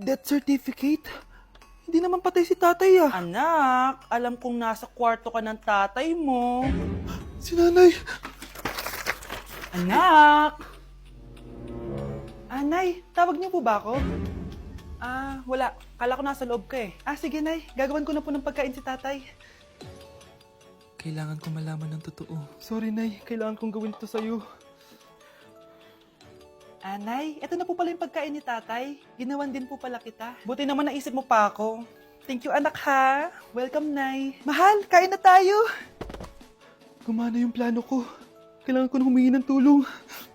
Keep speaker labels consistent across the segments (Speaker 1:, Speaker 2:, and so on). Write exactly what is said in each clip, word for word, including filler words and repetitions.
Speaker 1: Death certificate? Hindi naman patay si tatay ah.
Speaker 2: Anak, alam kong nasa kwarto ka ng tatay mo.
Speaker 1: Si nanay.
Speaker 2: Anak! Anay, tawag niyo po ba ako? Ah, wala. Kala ko nasa loob ka eh. Ah, sige nay. Gagawan ko na po ng pagkain si tatay.
Speaker 1: Kailangan ko malaman ng totoo. Sorry nay, kailangan kong gawin ito sa'yo.
Speaker 2: Anay, eto na po pala yung pagkain ni tatay. Ginawan din po pala kita. Buti naman naisip mo pa ako. Thank you anak ha. Welcome nay. Mahal, kain na tayo.
Speaker 1: Gumana yung plano ko. Kailangan ko na humingi ng tulong.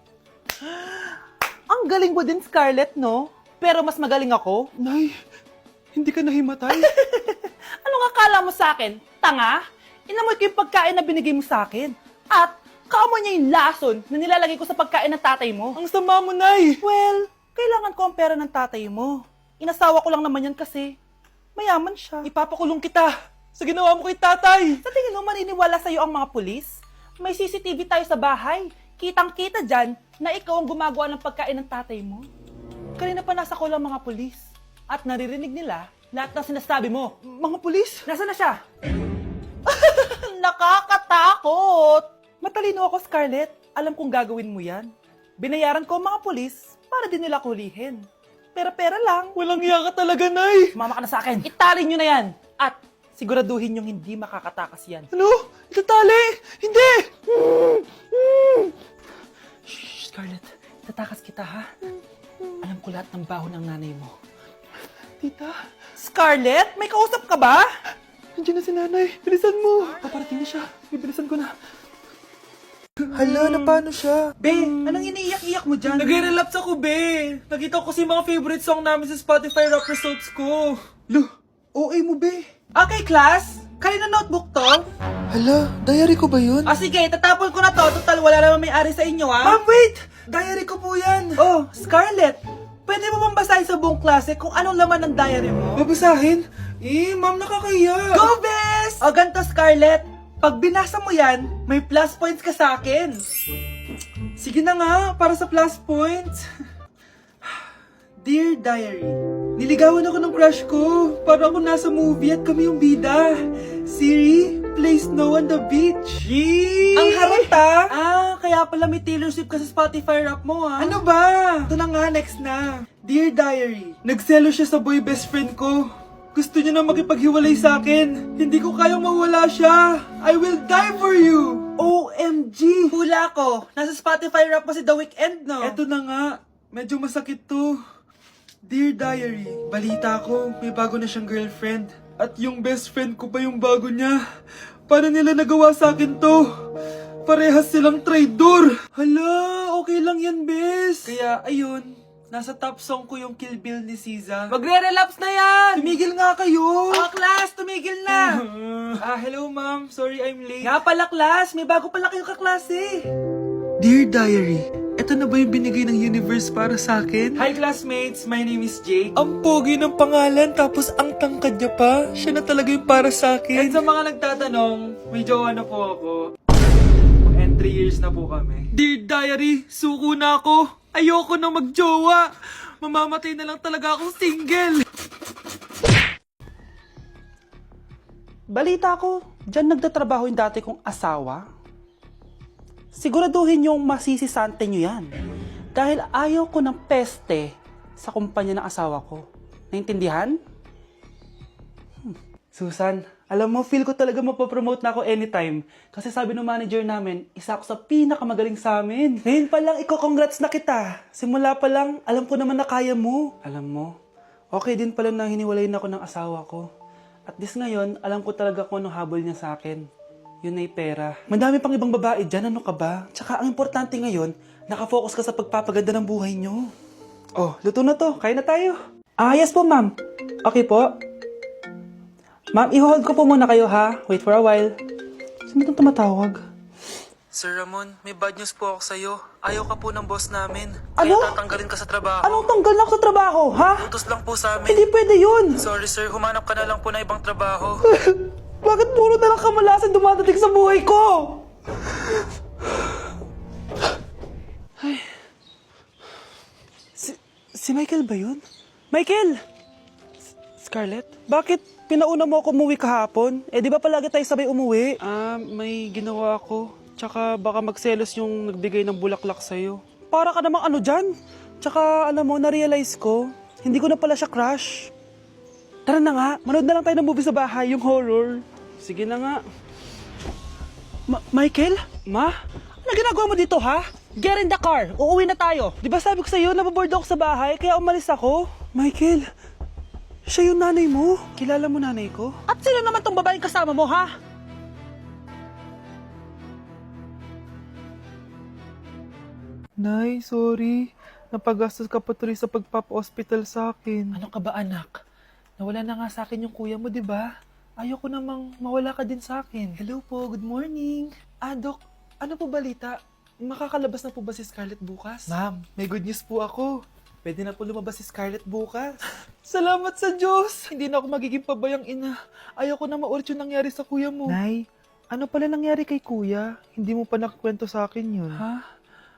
Speaker 2: Ang galing mo din Scarlett no? Pero mas magaling ako.
Speaker 1: Nay, hindi ka nahimatay?
Speaker 2: Anong akala mo sa akin? Tanga? Inamoy ko yung pagkain na binigay mo sa akin. At kaamoy niya yung lason na nilalagay ko sa pagkain ng tatay mo.
Speaker 1: Ang sama mo, Nay!
Speaker 2: Well, kailangan ko ang pera ng tatay mo. Inasawa ko lang naman yan kasi mayaman siya.
Speaker 1: Ipapakulong kita sa ginawa mo kay tatay!
Speaker 2: Sa tingin mo maniniwala sa'yo ang mga pulis? May C C T V tayo sa bahay. Kitang-kita dyan na ikaw ang gumagawa ng pagkain ng tatay mo. Kanina pa nasa ko lang mga pulis. At naririnig nila lahat ng sinasabi mo.
Speaker 1: Mga pulis?
Speaker 2: Nasaan na siya? Nakakatakot! Matalino ako, Scarlett. Alam kong gagawin mo yan. Binayaran ko ang mga pulis para din nila kulihin. Pera-pera lang.
Speaker 1: Walang iya ka talaga, Nay!
Speaker 2: Sumama ka na sa akin. Itali nyo na yan. At siguraduhin yung hindi makakatakas yan.
Speaker 1: Ano? Itatali! Hindi!
Speaker 2: Shh, Scarlett. Tatakas kita, ha? Alam ko lahat ng baho ng nanay mo.
Speaker 1: Tita,
Speaker 2: Scarlett, may kausap ka ba?
Speaker 1: nandiyan na si nanay. Bilisan mo! Paparating na siya. Bibilisan ko na. Hala, na paano siya?
Speaker 2: Be, anong iniiyak-iyak mo dyan?
Speaker 1: Nagre-relapse ako, be! Nakita ko kasi mga favorite song namin sa Spotify rap results ko. Lo, O A mo, be!
Speaker 2: Okay, class. Kanina notebook to?
Speaker 1: Hala, diary ko ba yun?
Speaker 2: Ah, sige, tatapon ko na to. Total, wala naman may-ari sa inyo, ha?
Speaker 1: Ma'am, wait! Diary ko po yan!
Speaker 2: Oh, Scarlett, pwede mo bang basahin sa buong klase kung anong laman ng diary mo?
Speaker 1: Babasahin? Eh, ma'am, nakakaya!
Speaker 2: Go, Bes! O ganito, Scarlett. Pag binasa mo yan, may plus points ka sa akin.
Speaker 1: Sige na nga, para sa plus points. Dear Diary, niligawan ako ng crush ko. Para ako nasa movie at kami yung bida. Siri, play Snow on the Beach. Yee!
Speaker 2: Ang harot, ah!
Speaker 1: Ah, kaya pala may Taylor Swift ka sa Spotify rap mo, ah. Ano ba? Ito na nga, next na. Dear Diary, nagselo siya sa boy best friend ko. Gusto niya na makipaghiwalay sa akin. Hindi ko kayang mawala siya. I will die for you. O M G!
Speaker 2: Hula ko. Nasa Spotify rap mo si The Weeknd, no?
Speaker 1: Eto na nga. Medyo masakit to. Dear Diary, balita ko, may bago na siyang girlfriend. At yung best friend ko pa yung bago niya. Paano nila nagawa sa akin to? Parehas silang traidor. Hala, okay lang yan, bes. Kaya, ayun, nasa top song ko yung Kill Bill ni Siza.
Speaker 2: Magre-relapse na yan!
Speaker 1: Tumigil nga kayo!
Speaker 2: Ah, class, tumigil na!
Speaker 1: Ah, hello ma'am. Sorry I'm late.
Speaker 2: Nga pala, class, may bago pala kayong kaklase.
Speaker 1: Dear Diary, eto na ba yung binigay ng universe para sa akin? Hi classmates, my name is Jake. Ang pogi ng pangalan tapos ang tangkad niya pa. Siya na talaga yung para sa akin. At sa mga nagtatanong, may jowa na po ako. And three years na po kami. Dear Diary, suko na ako. Ayoko na magjowa. Mamamatay na lang talaga akong single.
Speaker 2: Balita ko, dyan nagtatrabaho yung dati kong asawa. Siguraduhin yung masisisante nyo yan. Dahil ayaw ko ng peste sa kumpanya ng asawa ko. Naintindihan? Hmm. Susan, alam mo, feel ko talaga mapopromote na ako anytime. Kasi sabi ng manager namin, isa ako sa pinakamagaling sa amin. Ngayon pa lang, iko-congrats na kita. Simula pa lang, alam ko naman na kaya mo. Alam mo, okay din pala na hiniwalayin ako ng asawa ko. At this ngayon, alam ko talaga kung anong habol niya sa akin. Yun ay pera. Madami pang ibang babae dyan, ano ka ba? Tsaka ang importante ngayon, nakafocus ka sa pagpapaganda ng buhay nyo. Oh, luto na to. Kaya na tayo. Ah, yes po, ma'am. Okay po. Ma'am, i-hold ko po muna kayo, ha? Wait for a while. Sino itong tumatawag?
Speaker 3: Sir Ramon, may bad news po ako sa'yo. Ayaw ka po ng boss namin.
Speaker 2: Ano?
Speaker 3: Kaya tatanggalin ka sa trabaho.
Speaker 2: Anong tanggal na ako sa trabaho, ha?
Speaker 3: Utos lang po sa amin.
Speaker 2: Hindi pwede yun.
Speaker 3: Sorry sir, humanap ka na lang po na ibang trabaho.
Speaker 2: Bakit puro na lang kamalasan dumadating sa buhay ko? Ay. Si, si Michael ba yun? Michael! Scarlett, bakit pinauna mo ako umuwi kahapon? Eh di ba palagi tayo sabay umuwi?
Speaker 1: Ah, may ginawa ako. Tsaka baka magselos yung nagbigay ng bulaklak sa'yo.
Speaker 2: Para ka namang ano dyan? Tsaka alam mo, na-realize ko, hindi ko na pala siya crush. Tara na nga, manood na lang tayo ng movie sa bahay, yung horror.
Speaker 1: Sige na nga.
Speaker 2: Ma- Michael? Ma? Ano ginagawa mo dito, ha? Get in the car, uuwi na tayo. Di ba sabi ko sa'yo, nababoard ako sa bahay, kaya umalis ako? Michael, siya yung nanay mo.
Speaker 1: Kilala mo nanay ko?
Speaker 2: At sino naman tong babaeng kasama mo, ha?
Speaker 1: Nay, sorry. Napagastos ka pa tuloy sa pagpapa-hospital sa akin.
Speaker 3: Ano ka ba anak? Nawala na nga sa akin yung kuya mo, di ba? Ayoko namang mawala ka din sa akin.
Speaker 1: Hello po, good morning. Ah, Dok, ano po balita? Makakalabas na po ba si Scarlett bukas?
Speaker 3: Ma'am, may good news po ako. Pwede na po lumabas si Scarlett bukas.
Speaker 1: Salamat sa Diyos! Hindi na ako magiging pabayang ina. Ayoko na maulit yung nangyari sa kuya mo.
Speaker 3: Nay, ano pala nangyari kay kuya? Hindi mo pa nakwento sa akin yun.
Speaker 1: Ha?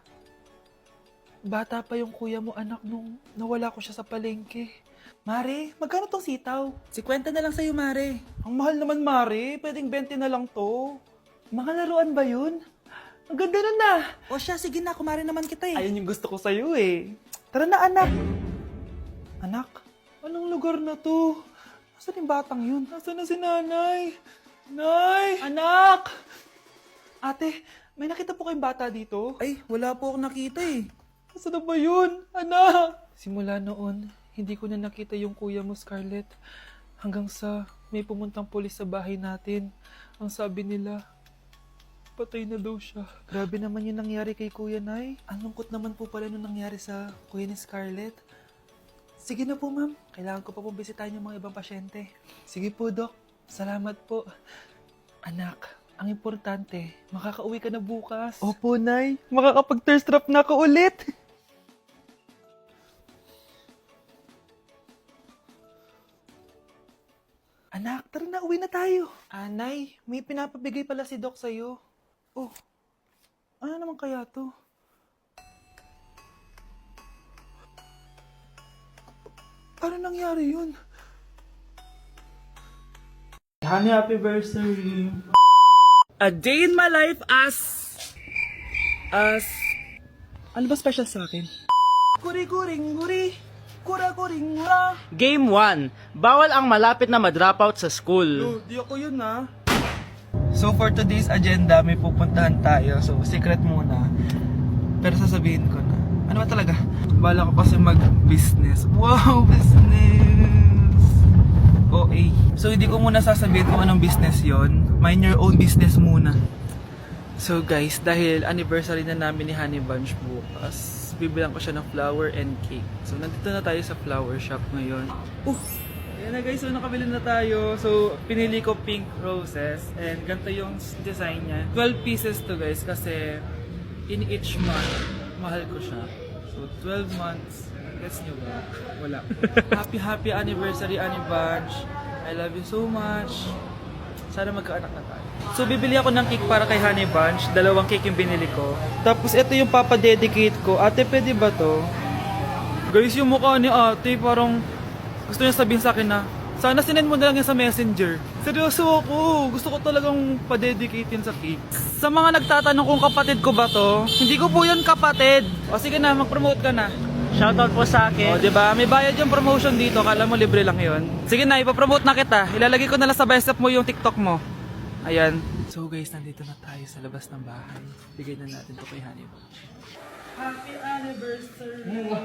Speaker 1: Bata pa yung kuya mo, anak, nung nawala ko siya sa palengke.
Speaker 3: Mare, magkano tong sitaw? Sikwenta na lang sa'yo, Mare.
Speaker 1: Ang mahal naman, Mare. Pwedeng twenty na lang to.
Speaker 3: Mga laruan ba yun?
Speaker 1: Ang ganda nun na.
Speaker 3: O siya, sige na, kumare naman kita eh.
Speaker 1: Ayun yung gusto ko sa'yo eh.
Speaker 3: Tara na, anak.
Speaker 1: Anak, anong lugar na to? Nasaan yung batang yun? Nasaan na si nanay? Nay! Anak! Ate, may nakita po kayong bata dito?
Speaker 3: Ay, wala po akong nakita eh.
Speaker 1: Nasaan na ba yun? Anak! Simula noon, hindi ko na nakita yung kuya mo, Scarlett. Hanggang sa may pumuntang pulis sa bahay natin. Ang sabi nila, patay na daw siya.
Speaker 3: Grabe naman yung nangyari kay Kuya Nay. Ang lungkot naman po pala nung nangyari sa kuya ni Scarlett. Sige na po, ma'am. Kailangan ko pa pong bisitahin yung mga ibang pasyente. Sige po, Dok. Salamat po. Anak, ang importante, makakauwi ka na bukas.
Speaker 1: Opo, Nay. Makakapag-thirst trap na ako ulit.
Speaker 3: Anak, tara na, uwi na tayo.
Speaker 1: Anay, may pinapabigay pala si Doc sa'yo.
Speaker 3: Oh, ano naman kaya to?
Speaker 1: Ano nangyari yun? Honey, happy birthday.
Speaker 2: A day in my life as... As... Ano ba special sa akin?
Speaker 1: Kuri-kuring, guri. Kura-kuring, gura.
Speaker 4: Game one. Bawal ang malapit na ma-dropout sa school.
Speaker 1: Yo, di ako yun ha. So for today's agenda, may pupuntahan tayo. So secret muna. Pero sasabihin ko na. Ano ba talaga? Bala ko kasi mag-business. Wow, business! O A. So hindi ko muna sasabihin kung anong business yon. Mind your own business muna. So guys, dahil anniversary na namin ni Honey Bunch bukas, bibilang ko siya ng flower and cake. So nandito na tayo sa flower shop ngayon. Uh! Ayan na guys, so nakabili na tayo. So pinili ko pink roses and ganito yung design niya. twelve pieces to guys kasi in each month, mahal ko siya. So twelve months, guess nyo ba? Wala. Happy happy anniversary Honey Bunch. I love you so much. Sana magkaanak na tayo. So bibili ako ng cake para kay Honey Bunch. Dalawang cake yung binili ko. Tapos ito yung papadedicate ko. Ate, pwede ba to? Guys, yung mukha ni ate parang gusto niya sabihin sa akin na sana sinend mo na lang yan sa messenger. Seryoso ako. Gusto ko talagang padedicate yun sa cake. Sa mga nagtatanong kung kapatid ko ba to, hindi ko po yun kapatid. O sige na, mag-promote ka na.
Speaker 4: Shoutout po sa
Speaker 1: O,
Speaker 4: akin.
Speaker 1: diba? May bayad yung promotion dito. Kala mo libre lang yun. Sige na, ipapromote na kita. Ilalagay ko na lang sa bicep mo yung TikTok mo. Ayan. So guys, nandito na tayo sa labas ng bahay. Bigay na natin to kay Honey Bunch. Happy anniversary!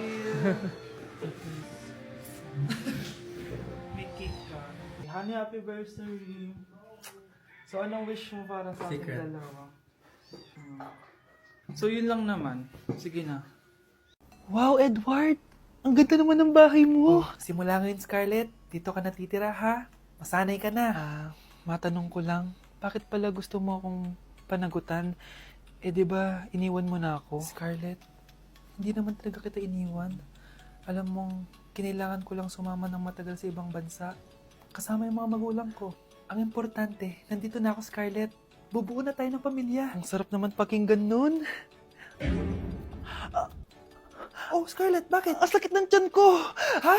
Speaker 1: May cake ka. Honey, happy anniversary! So anong wish mo para sa ating dalawa? Hmm. So yun lang naman. Sige na. Wow, Edward! Ang ganda naman ng bahay mo.
Speaker 3: Oh, simula ngayon, Scarlett. Dito ka natitira, ha? Masanay ka na.
Speaker 1: Ah, matanong ko lang, bakit pala gusto mo akong panagutan? Eh, di ba iniwan mo na ako?
Speaker 3: Scarlett, hindi naman talaga kita iniwan. Alam mong, kinailangan ko lang sumama ng matagal sa ibang bansa. Kasama yung mga magulang ko. Ang importante, nandito na ako, Scarlett. Bubuo na tayo ng pamilya.
Speaker 1: Ang sarap naman pakinggan nun.
Speaker 3: Oh, Scarlett, bakit?
Speaker 1: Ang sakit ng tiyan ko!
Speaker 3: Ha?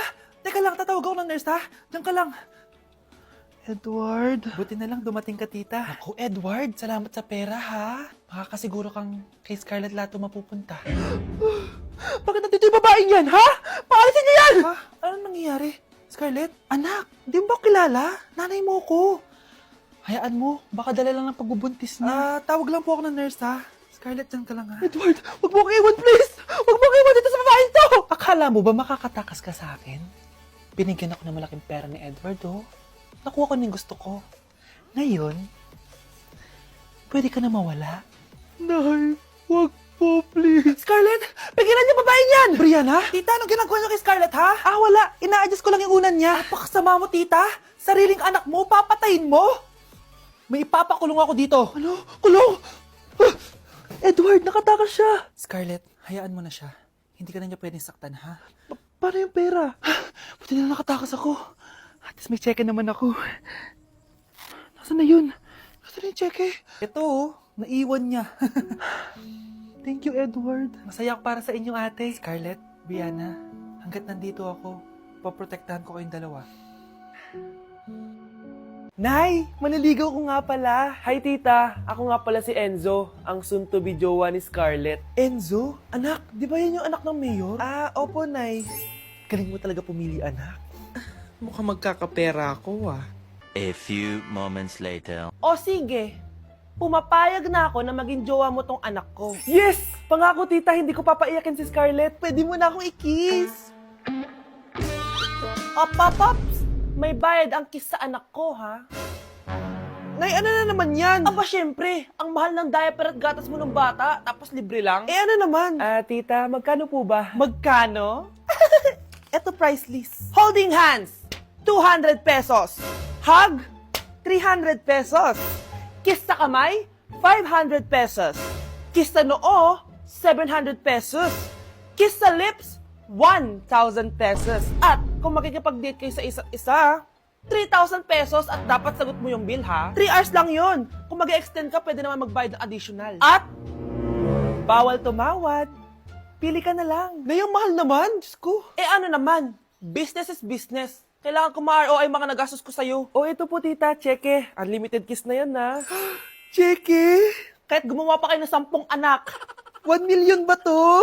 Speaker 3: Teka lang, tatawag ako ng nurse ha. Diyan ka lang. Edward. Buti na lang dumating ka, tita. Ako, Edward, salamat sa pera ha. Makakasiguro kang kay Scarlett Lato mapupunta.
Speaker 2: Bakit nandito yung babaeng yan, ha? Paalisin niyo yan!
Speaker 3: Ha? Ano nangyayari? Scarlett? Anak, di mo ba kilala? Nanay mo ko. Hayaan mo, baka dala lang ng pagbubuntis niya. Ah, tawag lang po ako ng nurse ha. Scarlett, dyan ka lang ha.
Speaker 2: Edward, wag mo akong iwan, please! Wag mo akong iwan dito sa babaeng to!
Speaker 3: Akala mo ba makakatakas ka sa akin? Binigyan ako ng malaking pera ni Edward, oh. Nakuha ko na yung gusto ko. Ngayon, pwede ka na mawala.
Speaker 2: Nay, wag po, please.
Speaker 3: Scarlett, pigilan niyo babaeng yan! Brianna? Tita, anong ginagawa niyo kay Scarlett, ha? Ah, wala. Ina-adjust ko lang yung unan niya. Napakasama mo, tita. Sariling anak mo, papatayin mo. May ipapakulong ako dito.
Speaker 2: Ano? Kulong! Ah! Edward, nakatakas siya!
Speaker 3: Scarlett, hayaan mo na siya. Hindi ka na niya pwedeng saktan, ha?
Speaker 2: Pa- paano yung pera?
Speaker 3: Buti na nakatakas ako. At least may cheque naman ako. Nasaan na yun? Nasaan na yung cheque? Ito, oh. Naiwan niya.
Speaker 2: Thank you, Edward.
Speaker 3: Masaya ako para sa inyo, ate. Scarlett, Brianna, hanggat nandito ako, poprotektahan ko kayong dalawa.
Speaker 5: Nay, maniligaw ko nga pala. Hi, tita. Ako nga pala si Enzo, ang soon-to-be jowa ni Scarlett.
Speaker 3: Enzo? Anak, di ba yan yung anak ng mayor?
Speaker 5: Ah, opo, Nay.
Speaker 3: Galing mo talaga pumili, anak.
Speaker 1: Mukhang magkakapera ako ah.
Speaker 6: A few moments later.
Speaker 5: O sige, pumapayag na ako na maging jowa mo tong anak ko.
Speaker 3: Yes!
Speaker 5: Pangako, tita, hindi ko papaiyakin si Scarlett.
Speaker 3: Pwede mo na akong i-kiss.
Speaker 5: Op, op, ops! May bayad ang kiss sa anak ko, ha?
Speaker 3: Nay, ano na naman yan?
Speaker 5: Aba, syempre, ang mahal ng diaper at gatas mo ng bata, tapos libre lang.
Speaker 3: Eh, ano naman?
Speaker 5: Ah, tita, magkano po ba?
Speaker 3: Magkano? Eto price list.
Speaker 5: Holding hands, two hundred pesos. Hug, three hundred pesos. Kiss sa kamay, five hundred pesos. Kiss sa noo, seven hundred pesos. Kiss sa lips, one thousand pesos. At kung makikipag-date kayo sa isa't isa, three thousand pesos at dapat sagot mo yung bill, ha? three hours lang yun. Kung mag-extend ka, pwede naman magbayad ng additional. At, bawal tumawad. Pili ka na lang.
Speaker 3: Nay, ang mahal naman. Diyos ko.
Speaker 5: Eh ano naman, business is business. Kailangan ko ma-R O I mga nagastos ko sa'yo. O ito po tita, cheque. Unlimited kiss na yan na.
Speaker 3: Cheque?
Speaker 5: Kahit gumawa pa kayo ng sampung anak.
Speaker 3: One million ba to?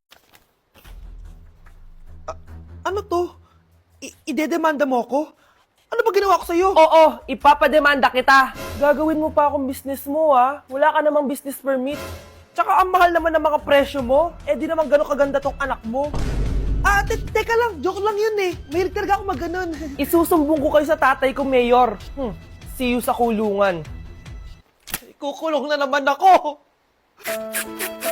Speaker 3: A- ano to? I- idedemanda mo ako? Ano ba ginawa ko sa'yo?
Speaker 5: Oo, ipapademanda kita. Gagawin mo pa akong business mo, ha? Wala ka namang business permit. Tsaka ang mahal naman ng mga presyo mo. Eh di naman gano'ng kaganda tong anak mo.
Speaker 3: Ah, te- teka lang. Joke lang yun eh. Mahilig talaga ako maganon.
Speaker 5: Isusumbong ko kayo sa tatay ko, Mayor. Hmm, see you sa kulungan.
Speaker 3: Kukulong na naman ako.